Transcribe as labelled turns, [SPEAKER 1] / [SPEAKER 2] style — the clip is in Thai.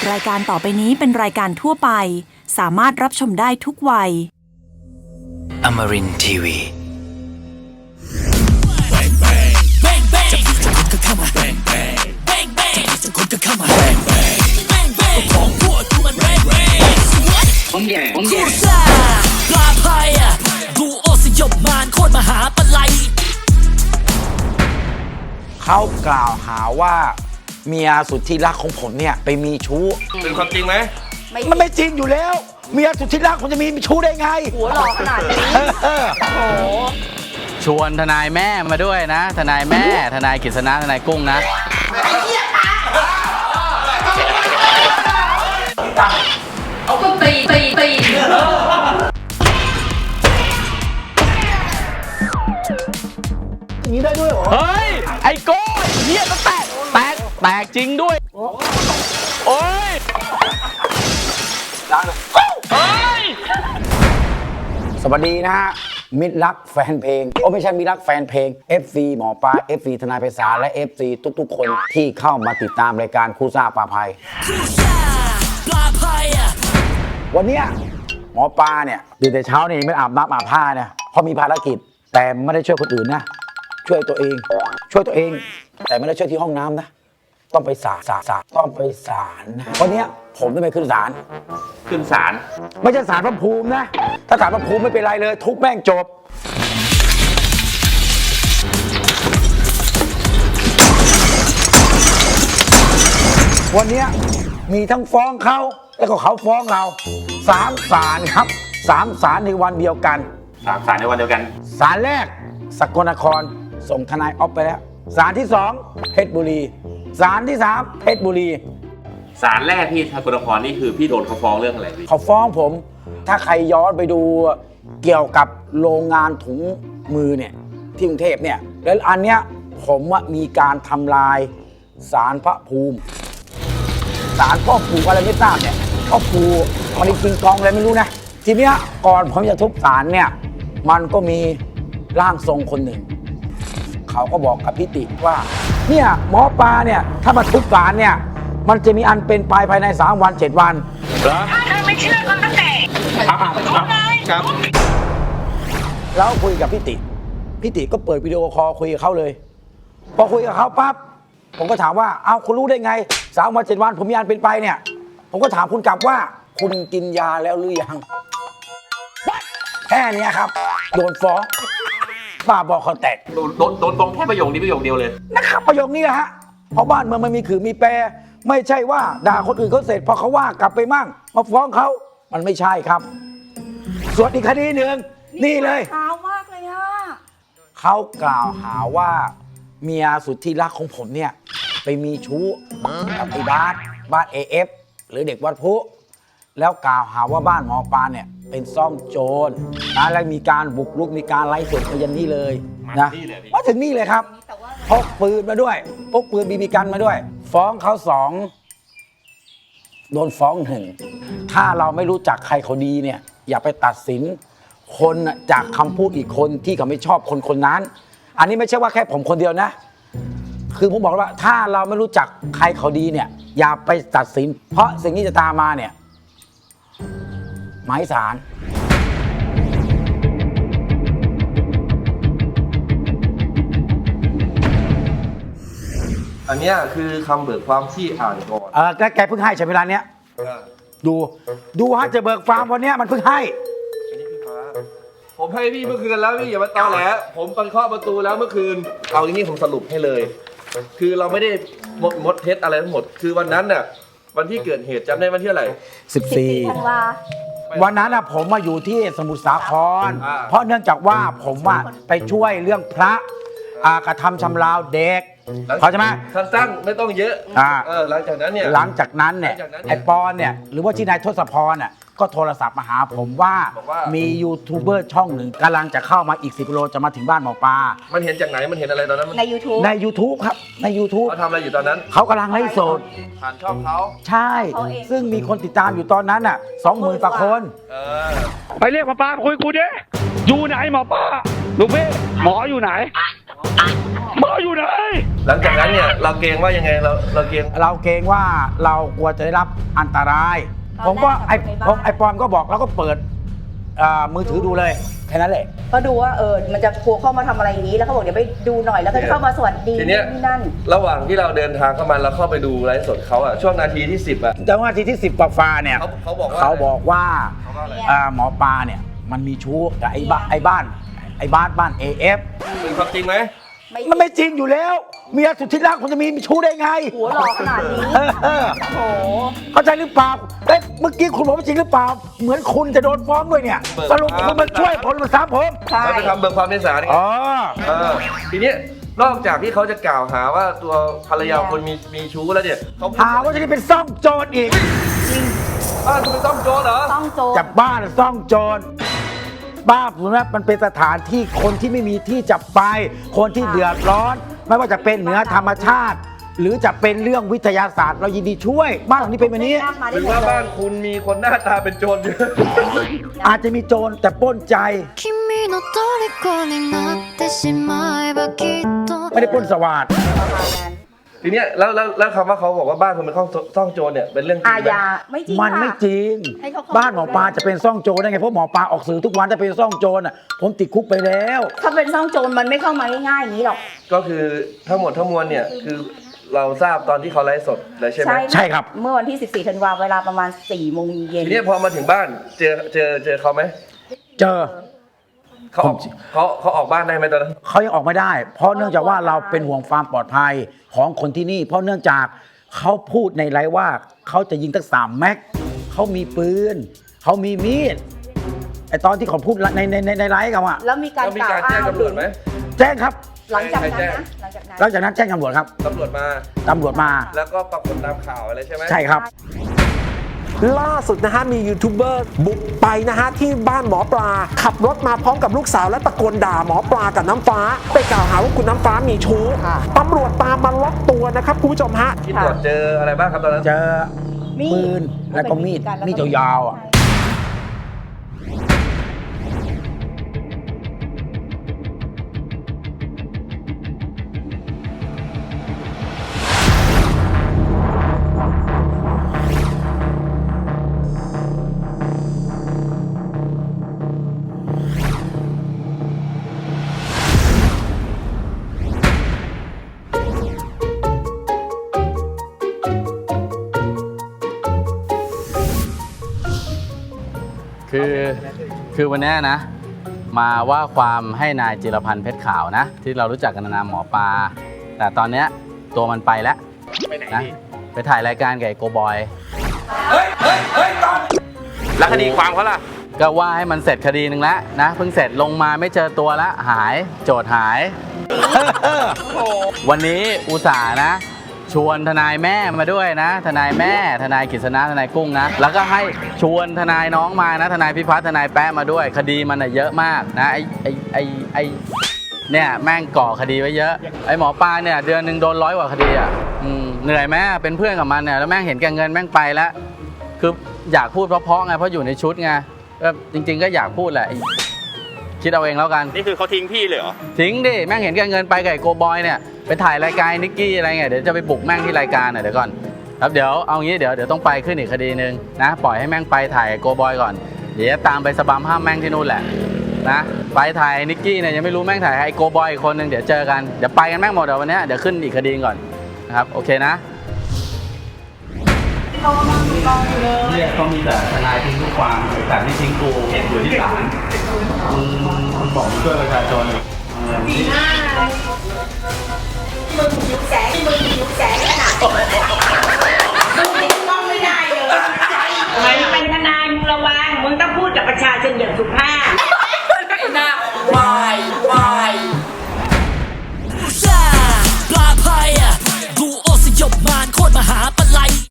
[SPEAKER 1] รายการต่อไปนี้เป็นรายการทั่วไปสามารถรับชมได้ทุกวัย
[SPEAKER 2] Amarin Tiwi.
[SPEAKER 3] ผมแย่ปลาพายดูโอสยบมารโคตรมหาปลัย
[SPEAKER 4] เขากล่าวหาว่าเมียสุดที่รักของผมเนี่ยไปมีชู้
[SPEAKER 5] เป็นความจริงไหม
[SPEAKER 4] มันไม่จริงอยู่แล้วเมียสุดที่รักผมจะมีชู้ได้ไง
[SPEAKER 6] หัวหล่อขนาดนี้โอ้โห
[SPEAKER 7] ชวนทนายแม่มาด้วยนะทนายแม่ทนายกฤษณะทนายกุ้งนะ
[SPEAKER 6] เอาก็ตี
[SPEAKER 4] นี้ได้ด้วยเหรอ
[SPEAKER 7] เฮ้ยไอ้โก้เฮียก็แตกจริงด้วยโอ้ย
[SPEAKER 4] สวัสดีนะฮะมิตรรักแฟนเพลงไม่ใช่มิตรรักแฟนเพลง FC หมอปลา FC ทนายไพศาลและ FC ทุกๆคนที่เข้ามาติดตามรายการคู่ซ่าปลาภัยวันนี้หมอปลาเนี่ยตื่นแต่เช้านี่ไม่อาบน้ำอาบผ้าเนี่ยเพราะมีภารกิจแต่ไม่ได้ช่วยคนอื่นนะช่วยตัวเองแต่ไม่ได้ช่วยที่ห้องน้ำนะต้องไปศาลต้องไปศาลนะวันนี้ผมต้องไปขึ้นศาลไม่ใช่ศาลพระภูมินะถ้าศาลพระภูมิไม่เป็นไรเลยทุกแม่งจบวันนี้มีทั้งฟ้องเขาแล้วก็เขาฟ้องเรา3 ศาลครับ3 ศาลในวันเดียวกัน
[SPEAKER 5] 3 ศาลในวันเดียวกัน
[SPEAKER 4] ศาลแรกสกลนครส่งทนายออฟไปแล้วศาลที่2เพชรบุรีศาลที่3เพชรบุรี
[SPEAKER 5] ศาลแรกที่สกลนครนี่คือพี่โดนเขาฟ้องเรื่องอะไรพี่
[SPEAKER 4] เขาฟ้องผมถ้าใครย้อนไปดูเกี่ยวกับโรงงานถุงมือเนี่ยที่กรุงเทพเนี่ยแล้วอันเนี้ยผมว่ามีการทำลายศาลพระภูมิศาลพ่อปู่อะไรไม่ทราบเนี่ยพ่อปู่มันกินกองอะไรไม่รู้นะทีเนี้ยก่อนผมจะทุบศาลเนี่ยมันก็มีร่างทรงคนหนึ่งเขาก็บอกกับพิติว่าเนี่ยหมอปลาเนี่ยถ้ามาทุบศาลเนี่ยมันจะมีอันเป็นไปภายใน3 วัน 7 วัน
[SPEAKER 6] ถ้าเธอไม่เชื่อก็ตั้งแต่
[SPEAKER 5] ครับ
[SPEAKER 4] แล้วคุยกับพิติก็เปิดวิดีโอคอลคุยกับเขาเลยพอคุยกับเขาปั๊บผมก็ถามว่าเอ้าคุณรู้ได้ไง3 วัน 7 วันผมมีอันเป็นไปเนี่ยผมก็ถามคุณกลับว่าคุณกินยาแล้วหรือยังแค่นี้ครับโดนฟ้องบ้าบอคอแตก
[SPEAKER 5] โดนฟ้องแค่ประโยคนี้ประโยคเดียวเลย
[SPEAKER 4] นะครับประโยคนี้แหละฮะเพราะบ้านเมืองมันมีขื่อมีแปรไม่ใช่ว่าด่าคนอื่นเขาเสร็จพอเขาว่ากลับไปมั่งมาฟ้องเขามันไม่ใช่ครับส่วนอีกคดีหนึ่งนี่เลย
[SPEAKER 6] เช้ามากเลยอะ
[SPEAKER 4] เขากล่าวหาว่าเมียสุดที่รักของผมเนี่ยไปมีชู้กับไอ้บ้าน AF หรือเด็กวัดพุแล้วกล่าวหาว่าบ้านหมอปลาเนี่ยเป็นซ่องโจรนะและมีการบุกรุกมีการไล่สดมายันนี่เลยนะมาถึงนี่เลยครับพกปืนมาด้วยพกปืนบีบีกันมาด้วยฟ้องเขา2โดนฟ้อง1ถ้าเราไม่รู้จักใครเขาดีเนี่ยอย่าไปตัดสินคนจากคำพูดอีกคนที่เขาไม่ชอบคนนั้นอันนี้ไม่ใช่ว่าแค่ผมคนเดียวนะคือผมบอกว่าถ้าเราไม่รู้จักใครเขาดีเนี่ยอย่าไปตัดสินเพราะสิ่งที่จะตามมาเนี่ยหมายศาล
[SPEAKER 5] อันนี้คือคำเบิกความที่อ่านก่อน
[SPEAKER 4] แกเพิ่งให้ใช่ไหมเวลาเนี้ยดูฮะจะเบิกความวันนี้มันเพิ่งให้
[SPEAKER 5] ผมให้พี่เมื่อคืนแล้วพี่อย่ามาตอแหลผมไปเคาะประตูแล้วเมื่อคืนเอาอย่างนี้ผมสรุปให้เลยคือเราไม่ได้มดเท็จอะไรทั้งหมดคือวันนั้นน่ะวันที่เกิดเหตุจำได้วันที่อะไร
[SPEAKER 4] 14 ธันวาวันนั้นผมมาอยู่ที่สมุทรสาครเพราะเนื่องจากว่าผมไปช่วยเรื่องพระกระทำชำเราเด็กเขาใช่ไหม
[SPEAKER 5] สั้นๆไม่ต้องเยอะหลังจากนั้นเนี่ยไอ้ปอนเนี่ยหรือว่าที่นายทศพรก็โทรศัพท์มาหาผมว่ามียูทูบเบอร์ช่องหนึ่งกำลังจะเข้ามาอีก10 กิโลจะมาถึงบ้านหมอปลามันเห็นจากไหนมันเห็นอะไรตอนนั้น
[SPEAKER 6] ใน YouTube
[SPEAKER 4] ครับใน YouTube
[SPEAKER 5] เขาทำอะไรอยู่ตอนนั้น
[SPEAKER 4] เขากำลังไลฟ์สด
[SPEAKER 5] ผ่านช่องเขา
[SPEAKER 4] ใช่ซึ่งมีคนติดตามอยู่ตอนนั้น20,000 กว่าคน
[SPEAKER 7] ไปเรียกหมอปลาคุยกูดิอยู่ไหนหมอปลาลูกพี่หมออยู่ไหนหมออยู่ไหน
[SPEAKER 8] หลังจากนั้นเนี่ยเราเกรงว่ายังไงเราเกรง
[SPEAKER 5] เราเกรงว่าเรากลัวจะได้รับอันตราย ผมก็ไอ้ปอมก็บอกเราก็เปิดมือถือดูเลยแค่นั้นแหละ
[SPEAKER 9] ก็ดูว่ามันจะกลัวเข้ามาทำอะไรอย่างนี้แล้วเขาบอกเดี๋ยวไปดูหน่อยแล้วก็จะเข้ามาสวัสดี
[SPEAKER 8] ทีเนี้ย
[SPEAKER 9] นี่นั่น
[SPEAKER 8] ระหว่างที่เราเดินทางเข้ามาเราเข้าไปดูไลฟ์สดเขาอะช่วงนาทีที่ 10อะ
[SPEAKER 5] จังหวะที่10กว่าฟ้าเนี่ย
[SPEAKER 8] เขาบอกว่า
[SPEAKER 5] เขาบอกว่า
[SPEAKER 8] อะไร
[SPEAKER 5] หมอปลาเนี่ยมันมีชู้กับไอ้บ้านAF
[SPEAKER 8] เป็นความจริงไหม
[SPEAKER 5] มันไม่จริงอยู่แล้วเมียสุดที่รักคุณจะมีชู้ได้ไง
[SPEAKER 9] หัวหลอกขนาดนี้
[SPEAKER 5] เออ
[SPEAKER 9] โอ้โห
[SPEAKER 5] เข้าใจหรือเปล่าเมื่อกี้คุณบอกว่าจริงหรือเปล่าเหมือนคุณจะโดนฟ้องด้วยเนี่ยสรุปคุณมาช่วยผมมาซ้ำผม
[SPEAKER 9] ใช่
[SPEAKER 8] เราไปทำเบิกความในศาลไง
[SPEAKER 5] อ๋อ
[SPEAKER 8] ทีเนี้ยนอกจากที่เขาจะกล่าวหาว่าตัวภรรยาคนมีชู้แล้วเนี่ยเขา
[SPEAKER 5] หาว่าจะได้เป็นซ่องโจรอีก
[SPEAKER 8] บ้านคุณเป็นซ่องโจรเหรอ
[SPEAKER 9] ต้องโจร
[SPEAKER 5] จับบ้านซ่องโจรบ้านผมนะมันเป็นสถานที่คนที่ไม่มีที่จับไป คนที่เดือดร้อน ไม่ว่าจะเป็นเหนือธรรมชาติ หรือจะเป็นเรื่องวิทยาศาสตร์เรายินดีช่วย บ้านหลังนี้เป็นแบบนี้
[SPEAKER 8] หรือว่าบ้านคุณมีคนหน้าตาเป็นโจรเยอะ
[SPEAKER 5] อาจจะมีโจรแต่ปล้นใจ
[SPEAKER 10] 君の虜になってしまえばきっと
[SPEAKER 5] ไม่ได้ปล้นสวัสด
[SPEAKER 9] ประมาณนั้น
[SPEAKER 8] ทีเนี้ยแล้วคำว่าเขาบอกว่าบ้านคุณเป็นซ่องโจรเนี่ยเป็นเรื่องจริง
[SPEAKER 9] อา
[SPEAKER 8] ไหม
[SPEAKER 9] ญาไม่จริง
[SPEAKER 5] มันไม่
[SPEAKER 9] ค่ะ
[SPEAKER 5] จริง
[SPEAKER 9] ให้เขาเข้า
[SPEAKER 5] บ้านหมอปลาจะเป็นซ่องโจรได้ไงเพราะหมอปลาออกสื่อทุกวันถ้าเป็นซ่องโจรอ่ะผมติดคุกไปแล้ว
[SPEAKER 9] ถ้าเป็นซ่องโจรมันไม่เข้ามาง่ายๆอย่างนี้หรอก
[SPEAKER 8] ก็คือทั้งหมดทั้งมวลเนี่ยคือเราทราบตอนที่เขาไลฟ์สดเลยใช่ไหม
[SPEAKER 5] ใช่ครับ
[SPEAKER 9] เมื่อวันที่ 14 ธันวาเวลาประมาณ 4 โมงเย็น
[SPEAKER 8] ทีเนี้ยพอมาถึงบ้านเจอเขาไหม
[SPEAKER 5] เจอ
[SPEAKER 8] เขาออกบ้านได้ไหมตอนนั้น
[SPEAKER 5] เขายังออกไม่ได้ เพราะเนื่องจากว่าเราเป็นห่วงความปลอดภัยของคนที่นี่ เพราะเนื่องจากเขาพูดในไลฟ์ว่าเขาจะยิงตั้ง3 แม็กเขามีปืนเขามีมีดไอตอนที่เขาพูดในไลฟ์กันว่า
[SPEAKER 9] แล้วมีการ
[SPEAKER 8] แล้วมี
[SPEAKER 9] กล่าว
[SPEAKER 8] การแจ้ง
[SPEAKER 9] อ้าง
[SPEAKER 8] ตำรวจไหม
[SPEAKER 5] แจ้งครับ
[SPEAKER 9] หลังจากนั้น
[SPEAKER 8] ใครแจ้ง
[SPEAKER 9] นะหลังจากนั้น
[SPEAKER 5] หลังจากนั้นแจ้งตำรวจครับ
[SPEAKER 8] ตำรวจมา
[SPEAKER 5] ตำรวจมา
[SPEAKER 8] แล้วก็ปรากฏตามข่าวอะไรใช่ไหม
[SPEAKER 5] ใช่ครับ
[SPEAKER 11] ล่าสุดนะฮะมียูทูบเบอร์บุกไปนะฮะที่บ้านหมอปลาขับรถมาพร้อมกับลูกสาวและตะโกนด่าหมอปลากับน้ำฟ้าไปกล่าวหาว่าคุณน้ำฟ้ามีชู้ตำรวจตามมาล็อกตัวนะครับคุณผู้ชมฮะ
[SPEAKER 8] ที่ตรวจเจออะไรบ้างครับตอนนั้น
[SPEAKER 5] เจอปืนแล้วก็มีดยาวๆอ่ะ
[SPEAKER 7] คือวันนี้นะ มาว่าความให้นายจิรพันธ์เพชรขาวนะ ที่เรารู้จักกันในนามหมอปลาแต่ตอนเนี้ยตัวมันไปแล้วนะไปถ่ายรายการกับไอ้โกบอย
[SPEAKER 8] แล้วคดีความเขาล่ะ
[SPEAKER 7] ก็ว่าให้มันเสร็จคดีหนึ่งแล้วนะเพิ่งเสร็จลงมาไม่เจอตัวแล้วหายโจทย์หาย วันนี้อุตส่าห์นะ ชวนทนายแม่มาด้วยนะ ทนายแม่ทนายกฤษณะทนายกุ้งนะแล้วก็ให้ชวนทนายน้องมานะทนายพิพัฒน์ทนายแป๊ะมาด้วย คดีมันเยอะมากนะไอเนี่ยแม่งก่อคดีไว้เยอะไอหมอปลาเนี่ยเดือนหนึ่งโดน100 กว่าคดีอ่ะเหนื่อยไหมเป็นเพื่อนกับมันเนี่ยแล้วแม่งเห็นแก่เงินแม่งไปแล้วคืออยากพูดเพราะๆไงเพราะอยู่ในชุดไงก็จริงๆก็อยากพูดแหละคิดเอาเองแล้วกันนี่คือเขาทิ้งพี่เลยเหรอทิ้งดิแม่งเห็นแก่เงินไปกับไอ้โกบอยเนี่ยไปถ่ายรายการนิกกี้อะไรเงี้ยเดี๋ยวจะไปบุกแม่งที่รายการเดี๋ยวก่อนครับเดี๋ยวเอางี้เดี๋ยวต้องไปขึ้นอีกคดีนึงนะปล่อยให้แม่งไปถ่ายโกบอยก่อนเดี๋ยวตามไปสบัมห้ามแม่งที่นู่นแหละนะไปถ่ายนิกกี้เนี่ยยังไม่รู้แม่งถ่ายไอ้โกบอยอีกคนนึงเดี๋ยวเจอกันเดี๋ยวไปกันแม่งหมดเดี๋ยววันนี้เดี๋ยวขึ้นอีกคดีก่อนนะครับโอเคนะเนี่ยเขามีแต่ทนายทิ้งทุกความแต่ไม่ทิ้งกูอยู่ที่ศาลมึงบอกมึงช่วยประชาชน
[SPEAKER 6] ดีมากเลยมึงหิวแสงขนาดมึงติดต้องไม่ได้เลยมึงเป็นทนายมึงระวังมึงต้องพูดกับประชาชนอย่างสุภาพหน้าวาย
[SPEAKER 3] ปลาพายดูโอสยบมารโคตรมหาปลาไหล